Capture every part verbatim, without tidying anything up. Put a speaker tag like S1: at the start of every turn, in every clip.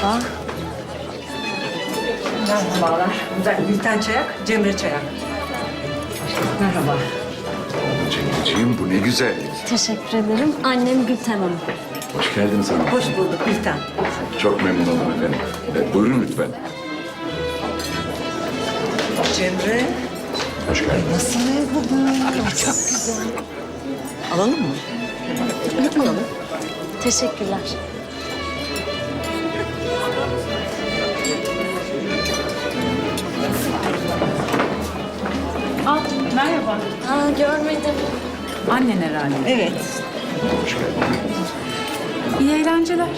S1: Merhaba. Merhabalar. Ben Gülten Çayak, Cemre Çayak. Merhaba.
S2: Cemciğim bu ne güzellik.
S3: Teşekkür ederim. Annem Gülten Hanım.
S2: Hoş geldiniz hanım.
S1: Hoş bulduk Gülten.
S2: Çok memnun oldum efendim. E, buyurun lütfen.
S1: Cemre.
S2: Hoş geldiniz.
S1: Nasıl ev bu böyle? Çok güzel. Alalım mı? Alalım.
S3: Teşekkürler.
S4: Aa, merhaba.
S3: Aa, görmedim.
S4: Annen herhalde.
S1: Evet.
S2: Hoş geldiniz.
S4: İyi eğlenceler.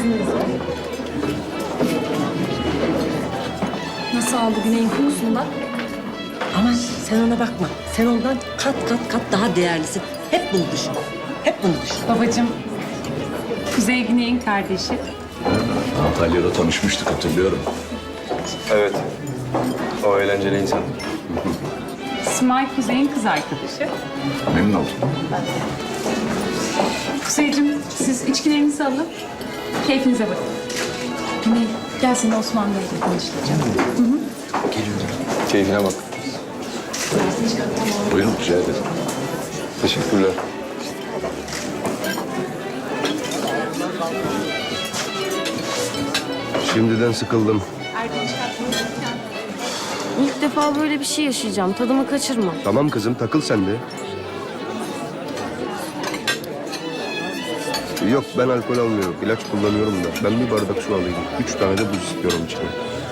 S3: Nasıl aldı Güney'in kokusunu da?
S1: Ama sen ona bakma. Sen ondan kat kat kat daha değerlisin. Hep bunu düşün. Hep bunu düşün.
S4: Babacığım, Kuzey Güney'in kardeşi.
S2: Antalya'da tanışmıştık hatırlıyorum.
S5: Evet. O eğlenceli insan.
S4: Simay Kuzey'in kız arkadaşı.
S2: Memnun oldum.
S4: Kuzeyciğim, siz içkilerinizi alın. Keyfinize bakın. Güney, gel seni Osman Bey'le tanıştıracağım.
S5: Keyfine bak.
S2: Buyurun rica ederim.
S5: Teşekkürler.
S6: Şimdiden sıkıldım.
S3: İlk defa böyle bir şey yaşayacağım. Tadımı kaçırma.
S6: Tamam kızım takıl sen de. Yok ben alkol almıyorum. İlaç kullanıyorum da. Ben bir bardak su alayım. Üç tane de buz istiyorum içine.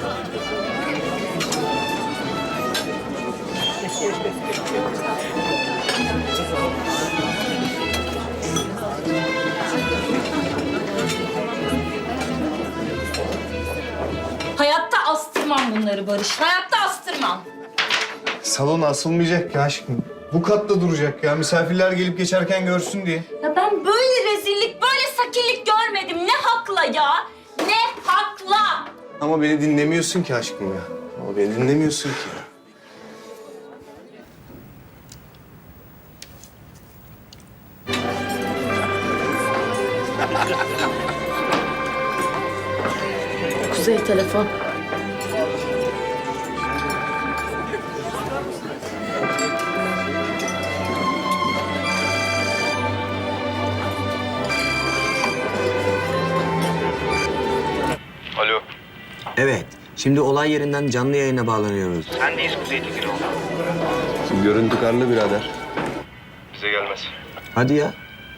S7: Hayatta astırmam bunları Barış. Hayatta astırmam.
S8: Salon asılmayacak ya aşkım. Bu katta duracak ya. Misafirler gelip geçerken görsün diye.
S7: Ya ben böyle rezillik, böyle sakillik görmedim. Ne hakla ya? Ne hakla?
S8: Ama beni dinlemiyorsun ki aşkım ya. Ama beni dinlemiyorsun ki ya.
S3: Kuzey telefon.
S5: Alo.
S9: Evet. Şimdi olay yerinden canlı yayına bağlanıyoruz.
S6: Şimdi görüntü karlı birader.
S5: Bize gelmez.
S9: Hadi ya.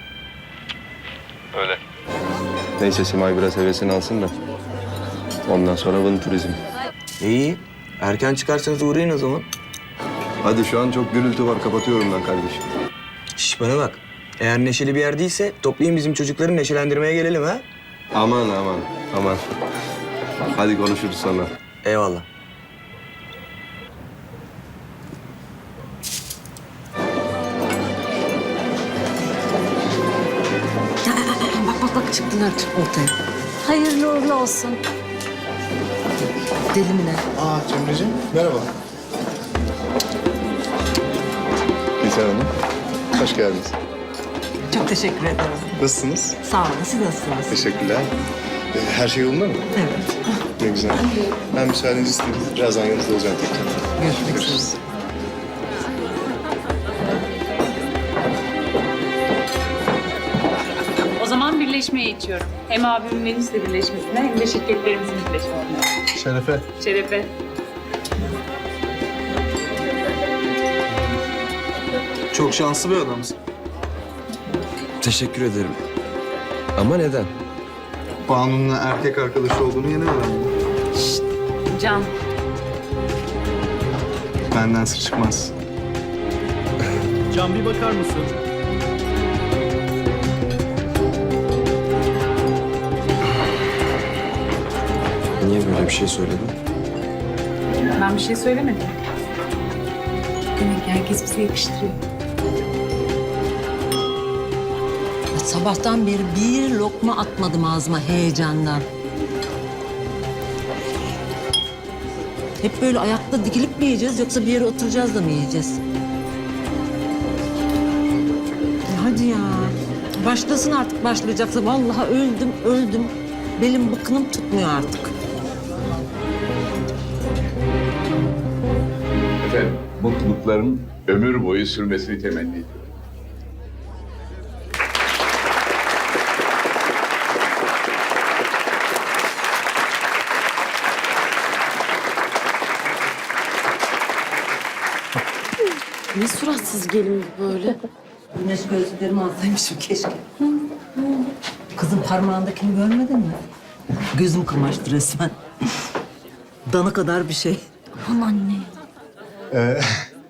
S5: Öyle.
S6: Neyse Simay biraz hevesini alsın da. Ondan sonra Vın Turizm.
S9: İyi. Erken çıkarsanız uğrayın o zaman.
S6: Hadi şu an çok gürültü var. Kapatıyorum ben kardeşim.
S9: Şş bana bak. Eğer neşeli bir yer değilse toplayın bizim çocukları neşelendirmeye gelelim ha.
S6: Aman aman aman. Hadi konuşuruz sonra.
S9: Eyvallah.
S1: Bak bak bak çıktılar ortaya.
S3: Hayırlı uğurlu olsun.
S1: Deli mi ne?
S8: Aa Cemre'ciğim merhaba.
S6: Gülten Hanım. Hoş geldiniz.
S1: Çok teşekkür ederim.
S8: Nasılsınız?
S1: Sağ olun. Siz nasılsınız?
S8: Teşekkürler. Ee, her şey yolunda mı?
S1: Evet.
S8: Ne güzel. Ben müsaadenizi isteyeyim. Birazdan yanınızda olacağım tekrar.
S1: Görüşmek üzere.
S4: O zaman birleşmeye içiyorum. Hem abimin Venüs'le birleşmesine hem de şirketlerimizin birleşmesine.
S8: Şerefe.
S4: Şerefe.
S8: Çok şanslı bir adamsın.
S6: Teşekkür ederim. Ama neden?
S8: Banu'nun erkek arkadaşı olduğunu yeni öğrendim.
S4: Can.
S8: Benden sır çıkmaz.
S10: Can bir bakar mısın?
S6: Niye böyle bir şey söyledin?
S4: Ben bir şey söylemedim. Demek ki herkes bize yakıştırıyor.
S1: Sabahtan beri bir lokma atmadım ağzıma heyecandan. Hep böyle ayakta dikilip mi yiyeceğiz yoksa bir yere oturacağız da mı yiyeceğiz? Ya hadi ya. Başlasın artık başlayacaksa. Vallahi öldüm, öldüm. Belim bıkkınım tutmuyor artık.
S2: Efendim, mutlulukların ömür boyu sürmesini temenni ediyorum.
S3: Ne suratsız gelin bu böyle.
S1: Güneş gözlüklerimi alsaymışım keşke. Kızın parmağındakini görmedin mi? Gözüm kamaştı resmen. Dana kadar bir şey.
S3: Aman anne.
S8: Ee,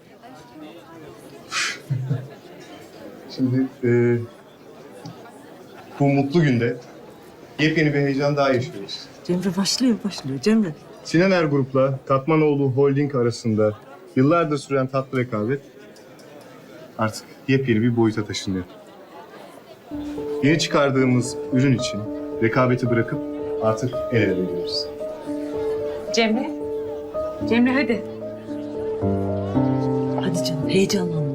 S8: Şimdi e, bu mutlu günde yepyeni bir heyecan daha yaşıyoruz.
S1: Cemre başlıyor, başlıyor Cemre.
S8: Sinan Er Grup'la Tatmanoğlu Holding arasında yıllardır süren tatlı rekabet artık yepyeni bir boyuta taşınıyor. Yeni çıkardığımız ürün için rekabeti bırakıp artık el ele veriyoruz.
S4: Cemre. Cemre hadi.
S1: Hadi canım, heyecanlanma.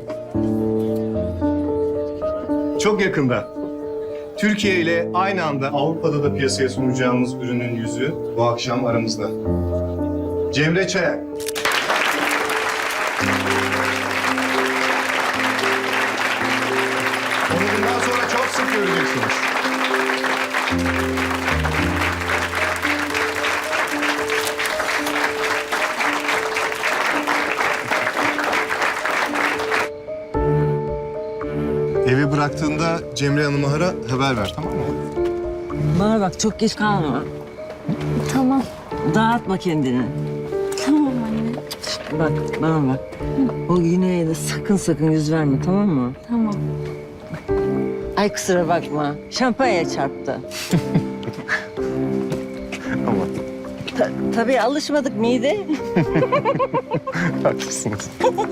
S8: Çok yakında Türkiye ile aynı anda Avrupa'da da piyasaya sunacağımız ürünün yüzü bu akşam aramızda. Cemre Çayak. Onu bundan sonra çok sık göreceksiniz. Evi bıraktığında Cemre Hanım'a ara, haber ver, tamam mı?
S1: Bana bak, çok geç kalma.
S3: Tamam.
S1: Dağıtma kendini.
S3: Tamam anne.
S1: Bak, bana bak. O Güney'e de sakın sakın yüz verme, tamam mı?
S3: Tamam.
S1: Ay kusura bakma, şampanya çarptı.
S8: Ama
S1: Ta- tabii alışmadık mide.
S8: haklısınız.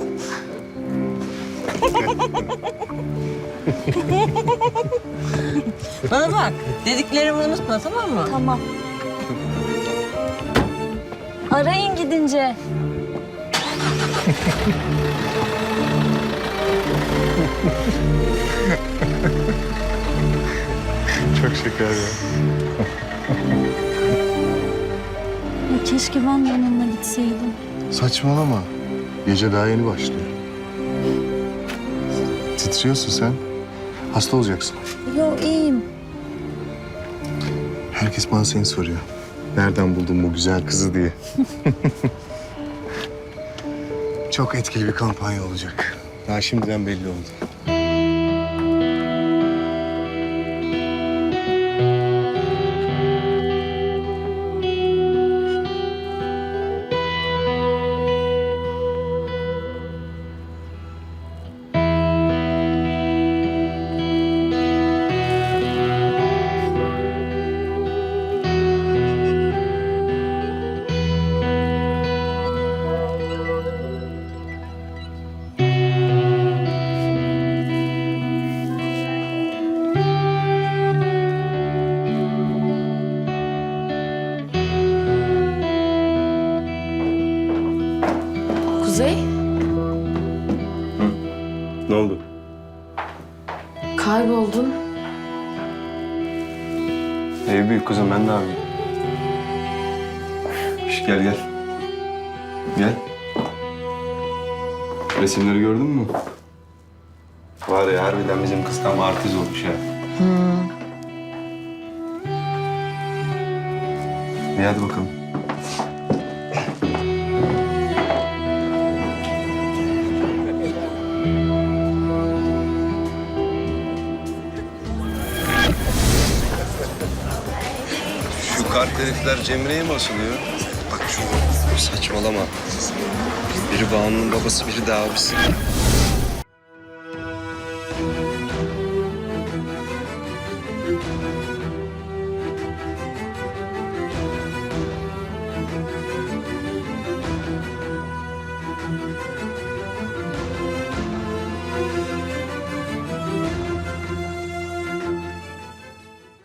S1: Bana bak, dediklerimi unutma, tamam mı?
S3: Tamam. Arayın gidince.
S8: Çok şeker ya.
S3: Ya keşke ben de onunla gitseydim.
S8: Saçmalama. Gece daha yeni başlıyor. Titriyorsun sen. Hasta olacaksın.
S3: Yo iyiyim.
S8: Herkes bana seni soruyor. Nereden buldun bu güzel kızı diye. Çok etkili bir kampanya olacak. Daha şimdiden belli oldu.
S3: Kuzey,
S5: Ne oldu?
S3: kayboldun.
S5: Ev büyük kızım, ben de abi. Şş, gel gel. Gel. Resimleri gördün mü? Var ya, harbiden bizim kız tam artist olmuş ya. İyi hadi bakalım.
S6: Şu kart herifler Cemre'ye mi asılıyor? Bak şu saçmalama. Biri Banu'nun babası, biri de abisi.